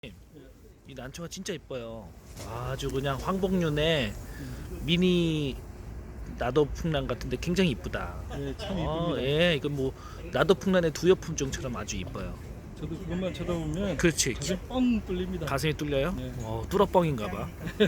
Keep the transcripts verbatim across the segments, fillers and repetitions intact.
이 난초가 진짜 이뻐요. 아주 그냥 황복륜의 미니 나도풍란 같은데 굉장히 이쁘다. 네, 참 어, 이쁩니다. 예, 이건 뭐 나도풍란의 두엽품종처럼 아주 이뻐요. 저도 그것만 쳐다보면 그렇지. 가슴이 뻥 뚫립니다. 가슴이 뚫려요? 네. 어, 뚫어뻥인가봐.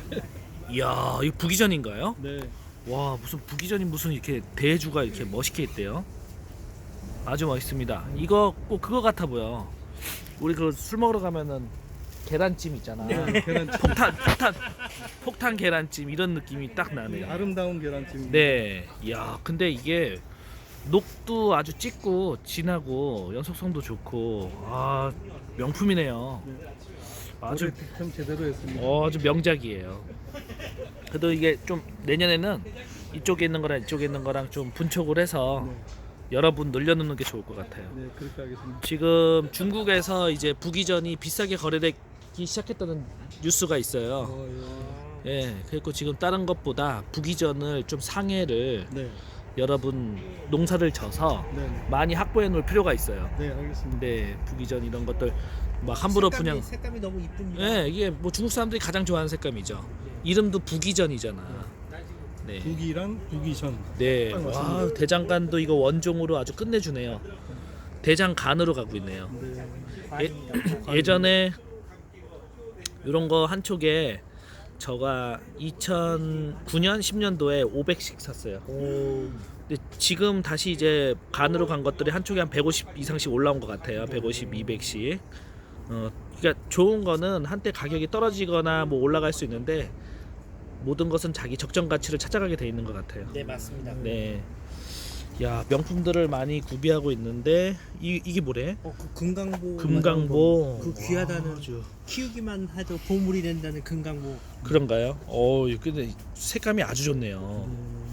이야, 이거 부기전인가요? 네, 와, 무슨 부기전이 무슨 이렇게 대주가 이렇게 멋있게 있대요. 아주 멋있습니다. 이거 꼭 그거 같아 보여. 우리 그 술 먹으러 가면은 계란찜 있잖아. 계란찜. 폭탄, 폭탄, 폭탄 계란찜 이런 느낌이 딱 나네요. 아름다운 계란찜. 네, 야, 근데 이게 녹도 아주 짙고 진하고 연속성도 좋고 아 명품이네요. 아주 아주 득점 제대로 했습니다. 어, 아주 명작이에요. 그래도 이게 좀 내년에는 이쪽에 있는 거랑 이쪽에 있는 거랑 좀 분촉을 해서 네, 여러분 늘려놓는 게 좋을 것 같아요. 네, 그렇게 하겠습니다. 지금 중국에서 이제 부기전이 비싸게 거래되기 시작했다는 뉴스가 있어요. 어, 예, 그리고 지금 다른 것보다 부기전을 좀 상해를 예. 네, 여러분 농사를 져서 네, 네, 많이 확보해 놓을 필요가 있어요. 네, 알겠습니다. 근데 부기전 이런 것들 막 함부로 색감이, 그냥 색감이 너무 이쁩니다. 예, 이게 뭐 중국 사람들이 가장 좋아하는 색감이죠. 이름도 부기전이잖아. 네. 부기랑 부기전. 네. 딱 와, 맞습니다. 대장간도 이거 원종으로 아주 끝내주네요. 대장간으로 가고 있네요. 네, 예, 예전에 이런 거 한 촉에 저가 이천구 년, 십 년도에 오백씩 샀어요. 근데 지금 다시 이제 간으로 간 것들이 한 촉에 한 백오십 이상씩 올라온 것 같아요. 백오십, 이백씩. 어, 그러니까 좋은 거는 한때 가격이 떨어지거나 뭐 올라갈 수 있는데 모든 것은 자기 적정 가치를 찾아가게 돼 있는 것 같아요. 네, 맞습니다. 네. 야, 명품들을 많이 구비하고 있는데 이 이게 뭐래? 어, 그 금강보. 금강보. 그 귀하다는 와, 아주 키우기만 해도 보물이 된다는 금강보. 그런가요? 어, 근데 색감이 아주 좋네요.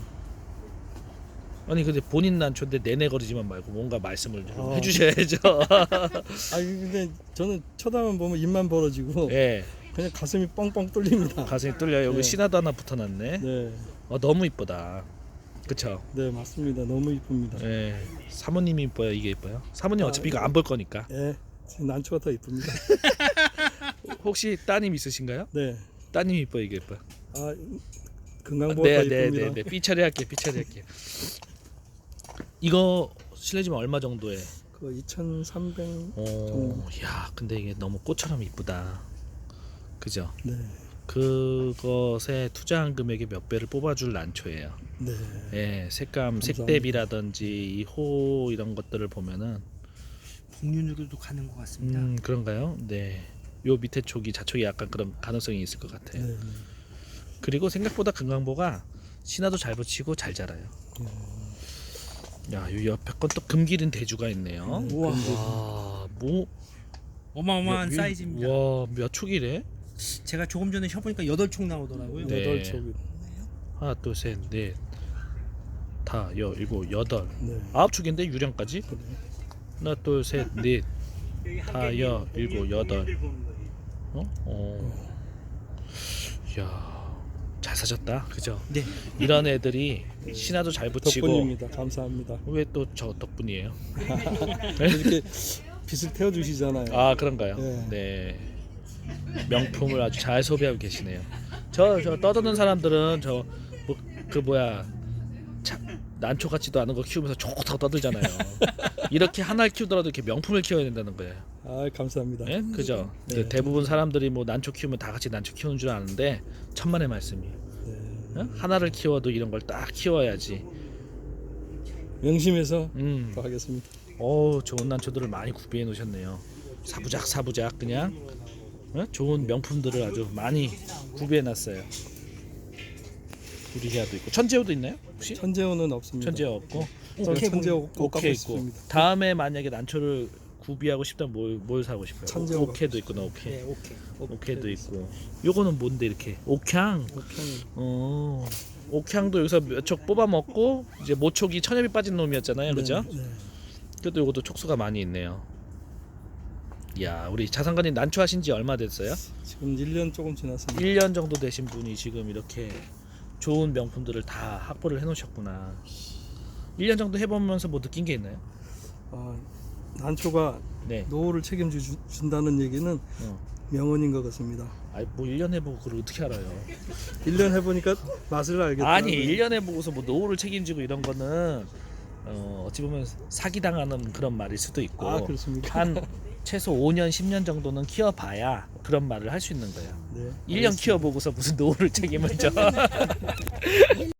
아니 근데 본인 난초인데 내내거리지만 말고 뭔가 말씀을 좀 어. 해주셔야죠. 아, 근데 저는 쳐다만 보면 입만 벌어지고 예, 그냥 가슴이 뻥뻥 뚫립니다. 가슴이 뚫려. 여기 네. 신화도 하나 붙어놨네. 네, 어, 너무 이쁘다. 그쵸? 네, 맞습니다. 너무 이쁩니다. 예, 사모님이 이뻐요. 이게 이뻐요? 사모님 아, 어차피 이거 안 볼 거니까. 예, 난초가 더 이쁩니다. 혹시 따님 있으신가요? 네, 따님이 이뻐요. 이게 이뻐요? 아, 금강보가 네, 더 네, 이쁩니다. 네, 네. 삐처리 할게, 삐처리 할게. 이거 실례지만 얼마 정도에? 그 이천삼백. 오, 야, 근데 이게 너무 꽃처럼 이쁘다. 그죠? 네, 그것에 투자한 금액의 몇 배를 뽑아줄 난초예요. 네, 예, 색감, 감사합니다. 색대비라든지 이 호 이런 것들을 보면은 복륜으로도 가는 것 같습니다. 음, 그런가요? 네. 요 밑에 촉이 자촉이 약간 그런 가능성이 있을 것 같아요. 네, 그리고 생각보다 금강보가 신화도 잘 붙이고 잘 자라요. 네. 야, 요 옆에 건 또 금기린 대주가 있네요. 네, 와, 금기린. 뭐 어마어마한 몇- 사이즈입니다. 와, 몇 촉이래? 제가 조금 전에 쳐보니까 여덟 촉 나오더라고요. 네. 여덟 촉이. 하나, 둘, 셋, 넷, 다, 여, 일곱, 여덟, 네, 아홉 촉인데 유령까지? 그래. 하나, 둘, 셋, 넷, 다, 여, 일곱, 여덟. 어? 어. 야, 잘 사셨다, 그죠? 네. 이런 애들이 신화도 잘 붙이고 덕분입니다. 감사합니다. 왜 또 저 덕분이에요? 이렇게 빛을 태워 주시잖아요. 아, 그런가요? 네. 네. 명품을 아주 잘 소비하고 계시네요. 저 저 떠드는 사람들은 저 뭐 그 뭐야 차, 난초 같지도 않은 거 키우면서 좋다고 떠들잖아요. 이렇게 하나를 키우더라도 이렇게 명품을 키워야 된다는 거예요. 아, 감사합니다. 예? 그죠? 네. 근데 대부분 사람들이 뭐 난초 키우면 다 같이 난초 키우는 줄 아는데 천만의 말씀이에요. 네. 어? 하나를 키워도 이런 걸 딱 키워야지. 명심해서 음. 또 하겠습니다. 오, 좋은 난초들을 많이 구비해 놓으셨네요. 사부작 사부작 그냥 어? 좋은 명품들을 아주 많이 구비해 놨어요. 유리희아도 있고 천재호도 있나요? 혹시? 천재호는 없습니다. 천재호 없고 저는 오케이 천재호 꼭 갖고 오케이 있고 싶습니다. 다음에 만약에 난초를 구비하고 싶다면 뭘, 뭘 사고 싶어요? 천재호 오케도 있구나. 오케이. 네, 오케이. 오케도 있고 요거는 뭔데 이렇게 옥향. 오케이. 어, 옥향도 여기서 몇 촉 뽑아 먹고 이제 모촉이 천엽이 빠진 놈이었잖아요. 그죠? 네, 네. 그래도 이것도 촉수가 많이 있네요. 야, 우리 자산가님 난초 하신 지 얼마 됐어요? 지금 일 년 조금 지났습니다. 일 년 정도 되신 분이 지금 이렇게 좋은 명품들을 다 확보를 해 놓으셨구나. 일 년 정도 해보면서 뭐 느낀 게 있나요? 아, 난초가 네. 노후를 책임져 주- 준다는 얘기는 어. 명언인 것 같습니다. 아니 뭐 일 년 해보고 그걸 어떻게 알아요? 일 년 해보니까 맛을 알겠다. 아니 일 년 해보고서 뭐 노후를 책임지고 이런 거는 어, 어찌 보면 사기당하는 그런 말일 수도 있고 아, 그렇습니까? 한 최소 오 년 십 년 정도는 키워봐야 그런 말을 할 수 있는 거예요. 네, 일 년 알겠습니다. 키워보고서 무슨 노후를 책임을 져.